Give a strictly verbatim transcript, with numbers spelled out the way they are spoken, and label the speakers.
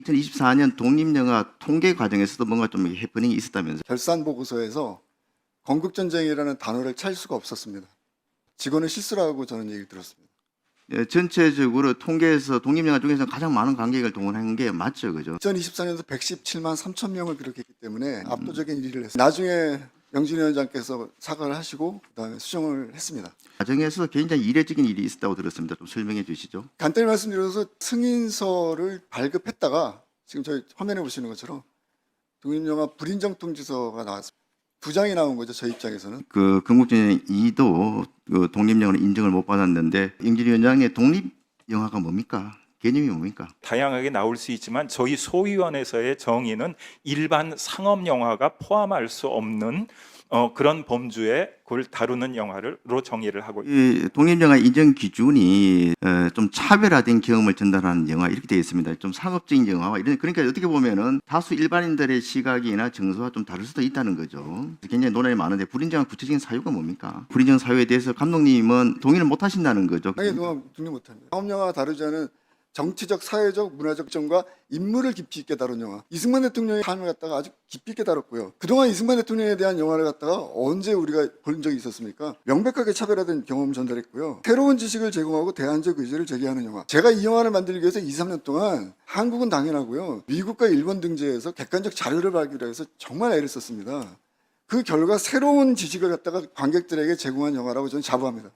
Speaker 1: 이천이십사 년 독립영화 통계 과정에서도 뭔가 좀 해프닝이 있었다면서요?
Speaker 2: 결산 보고서에서 건국전쟁이라는 단어를 찰 수가 없었습니다. 직원은 실수라고 저는 얘기를 들었습니다.
Speaker 1: 예, 전체적으로 통계에서 독립영화 중에서 가장 많은 관객을 동원한 게 맞죠, 그죠?
Speaker 2: 이천이십사 년도 백십칠만 삼천 명을 기록했기 때문에 압도적인 일 위를 했습니다. 나중에 명진 위원장께서 사과를 하시고 그다음에 수정을 했습니다.
Speaker 1: 과정에서 굉장히 이례적인 일이 있었다고 들었습니다. 좀 설명해 주시죠.
Speaker 2: 간단히 말씀드려서 승인서를 발급했다가 지금 저희 화면에 보시는 것처럼 독립영화 불인정 통지서가 나왔습니다. 두 장이 나온 거죠, 저희 입장에서는.
Speaker 1: 그 건국전쟁 이도 그 독립영화로 인정을 못 받았는데 영진 위원장의 독립영화가 뭡니까? 개념이 뭡니까?
Speaker 3: 다양하게 나올 수 있지만 저희 소위원회에서의 정의는 일반 상업 영화가 포함할 수 없는 어, 그런 범주에 그걸 다루는 영화로 정의를 하고 있습니다.
Speaker 1: 이 독립영화 인정 기준이 어, 좀 차별화된 경험을 전달하는 영화 이렇게 되어 있습니다. 좀 상업적인 영화와 이런 그러니까 어떻게 보면은 다수 일반인들의 시각이나 정서와 좀 다를 수도 있다는 거죠. 굉장히 논란이 많은데 불인정한 구체적인 사유가 뭡니까? 불인정 사유에 대해서 감독님은 동의를 못 하신다는 거죠.
Speaker 2: 아니, 그건 독립 못합니다. 상업영화가 다루지 않은 정치적, 사회적, 문화적 점과 인물을 깊이 있게 다룬 영화. 이승만 대통령의 삶을 갖다가 아주 깊이 있게 다뤘고요. 그동안 이승만 대통령에 대한 영화를 갖다가 언제 우리가 본 적이 있었습니까? 명백하게 차별화된 경험 전달했고요. 새로운 지식을 제공하고 대안적 의지를 제기하는 영화. 제가 이 영화를 만들기 위해서 이, 삼 년 동안 한국은 당연하고요. 미국과 일본 등지에서 객관적 자료를 발굴해서 해서 정말 애를 썼습니다. 그 결과 새로운 지식을 갖다가 관객들에게 제공한 영화라고 저는 자부합니다.